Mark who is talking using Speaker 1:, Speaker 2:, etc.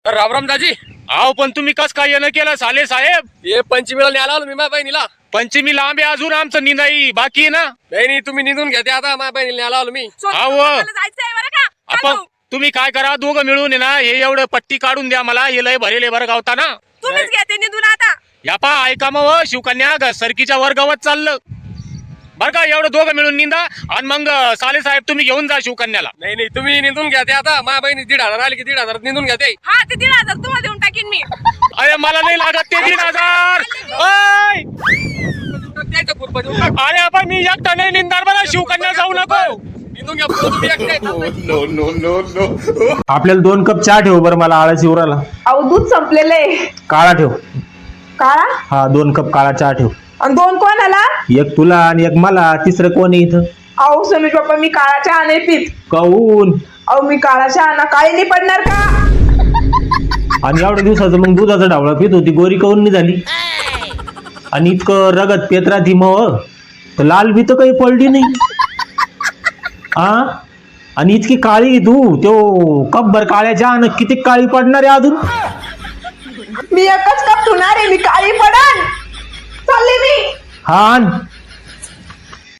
Speaker 1: रामराम दाजी.
Speaker 2: आहो पण तुम्ही कस काय येणं केलं साले साहेब?
Speaker 1: हे पंचमीला न्यायला आलो मी माझ्या बहिणीला.
Speaker 2: पंचमी लांब आहे अजून आमचं निंदाई बाकी आहे ना.
Speaker 1: नाही तुम्ही निघून घेते आता माझ्या बहिणीला न्यायला आलो मी.
Speaker 2: आपण तुम्ही काय करा दोघं मिळून आहे ना हे एवढं पट्टी काढून द्या मला हे लय भरेले बरं गावता ना.
Speaker 3: तुम्हीच घेते निघून आता.
Speaker 2: या पा ऐका मग शिवकन्या सरकीच्या वर गावात चाललं बर का एवढं दोघं मिळून निंदा आणि मग साले साहेब तुम्ही घेऊन जा शिवकन्याला.
Speaker 1: नाही तुम्ही निघून घेते आता माझ्या बहिणी 1,500 आली की 1,500 निघून घेते.
Speaker 3: हा ते 1,500 तुम्हाला देऊन टाकीन मी.
Speaker 2: अरे मला नाही लागत ते 1,500. अरे आपण मी एकटा नाही निंदार मला शिवकन्या जाऊ नको.
Speaker 1: निघून घ्या तुम्ही एकटे.
Speaker 4: आपल्याला 2 कप चहा ठेव बरं मला आळस शिवराला.
Speaker 5: अहो दूध संपलेलं आहे.
Speaker 4: काळा ठेव.
Speaker 5: काळा?
Speaker 4: हा 2 कप काळा चहा ठेव.
Speaker 5: आणि 2 कोणाला?
Speaker 4: एक तुला आणि एक मला. तिसरं कोण आहे इथं?
Speaker 5: अहो समीर पप्पा मी काळा चहा नाही पित.
Speaker 4: काऊन?
Speaker 5: अहो मी काळा चहा ना काळी नाही पडणार का?
Speaker 4: आणि एवढ्या दिवसाचं मग दुधाचा ढावळा पित होती गोरी काऊन नाही झाली? आणि इतकं रगत पेत राहती मग तर लाल बी तर काही पडली नाही. आणि इतकी काळी तू तो कपभर काळ्या चहा न किती काळी पडणार आहे अजून?
Speaker 5: मी एकच कप ठेवणार आहे मी काळी पडन. चालले मी.
Speaker 4: हा